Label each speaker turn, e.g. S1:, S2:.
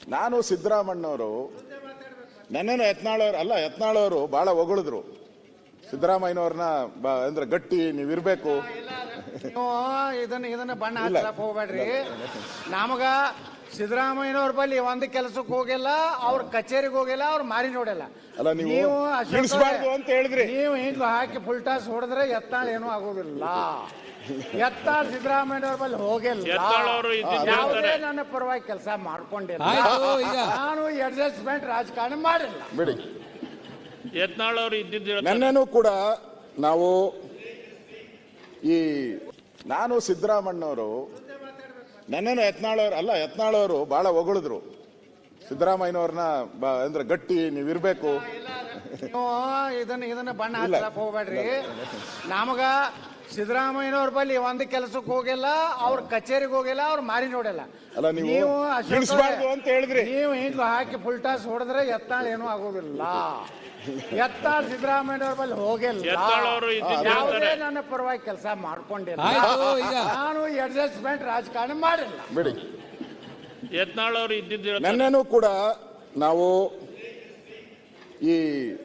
S1: ನಾನು ಸಿದ್ದರಾಮಣ್ಣವರು ನನ್ನನ್ನು ಯತ್ನಾಳವರು ಬಹಳ ಹೊಗಳಿದ್ರು ಸಿದ್ದರಾಮಯ್ಯನವ್ರನ್ನ ಅಂದ್ರೆ ಗಟ್ಟಿ ನೀವಿರ್ಬೇಕು.
S2: ಇದನ್ನ ಬಣ್ಣ ಹಚ್ಚಲಕ್ ಹೋಗ್ಬೇಡ್ರಿ. ನಮಗ ಸಿದ್ದರಾಮಯ್ಯನವ್ರ ಬಳಿ ಒಂದ್ ಕೆಲಸಕ್ಕೆ ಹೋಗಿಲ್ಲ, ಅವ್ರ ಕಚೇರಿಗೆ ಹೋಗಿಲ್ಲ, ಅವ್ರ ಮಾರಿ ನೋಡಿಲ್ಲ.
S1: ಅಲ್ಲ ನೀವು ಅಂತ ಹೇಳಿದ್ರಿ.
S2: ನೀವು ಹಿಂಗ ಹಾಕಿ ಫುಲ್ ಟಾಸ್ ಹೊಡೆದ್ರೆ ಯತ್ನಾಳ್ ಏನೂ ಆಗೋದಿಲ್ಲ. ಯತ್ನಾಳ್ ಸಿದ್ದರಾಮಯ್ಯನವ್ರ ಬಳಿ ಹೋಗಿಲ್ಲ, ಯಾವುದೇ ನನ್ನ ಪರವಾಗಿ ಕೆಲಸ ಮಾಡ್ಕೊಂಡಿಲ್ಲ. ನಾನು ಅಡ್ಜಸ್ಟ್ಮೆಂಟ್ ರಾಜಕಾರಣ ಮಾಡಿಲ್ಲ.
S1: ಬಿಡಿ,
S3: ಯತ್ನಾಳ್ ಅವರು ಇದ್ದಿದ್ದು
S1: ನನ್ನೇನು ಕೂಡ ನಾವು ನಾನು ಸಿದ್ದರಾಮಣ್ಣವರು ನನ್ನನ್ನು ಯತ್ನಾಳವರು ಬಹಳ ಹೊಗಳಿದ್ರು ಸಿದ್ದರಾಮಯ್ಯನವ್ರನ್ನ ಅಂದ್ರೆ ಗಟ್ಟಿ ನೀವಿರ್ಬೇಕು.
S2: ಇದನ್ನ ಬಣ್ಣ ಹಚ್ಚಲಕ್ ಹೋಗ್ಬೇಡ್ರಿ. ನಮಗ ಸಿದ್ದರಾಮಯ್ಯನವ್ರ ಬಳಿ ಒಂದ್ ಕೆಲಸಕ್ಕೆ ಹೋಗಿಲ್ಲ, ಅವ್ರ ಕಚೇರಿಗೆ ಹೋಗಿಲ್ಲ, ಅವ್ರ ಮಾರಿ ನೋಡಿಲ್ಲ.
S1: ಅಲ್ಲ ನೀವು ಅಂತ ಹೇಳಿದ್ರಿ.
S2: ನೀವು ಹಿಂಗ ಹಾಕಿ ಫುಲ್ ಟಾಸ್ ಹೊಡೆದ್ರೆ ಯತ್ನಾಳ್ ಏನೂ ಆಗೋದಿಲ್ಲ. ಯತ್ನಾಳ್ ಸಿದ್ದರಾಮಯ್ಯನವ್ರ ಬಳಿ ಹೋಗಿಲ್ಲ, ಯಾವುದೇ ನನ್ನ ಪರವಾಗಿ ಕೆಲಸ ಮಾಡ್ಕೊಂಡಿಲ್ಲ. ನಾನು ಅಡ್ಜಸ್ಟ್ಮೆಂಟ್ ರಾಜಕಾರಣ ಮಾಡಿಲ್ಲ.
S1: ಬಿಡಿ,
S3: ಯತ್ನಾಳ್ ಅವರು ಇದ್ದಿದ್ದು
S1: ನನ್ನೇನು ಕೂಡ ನಾವು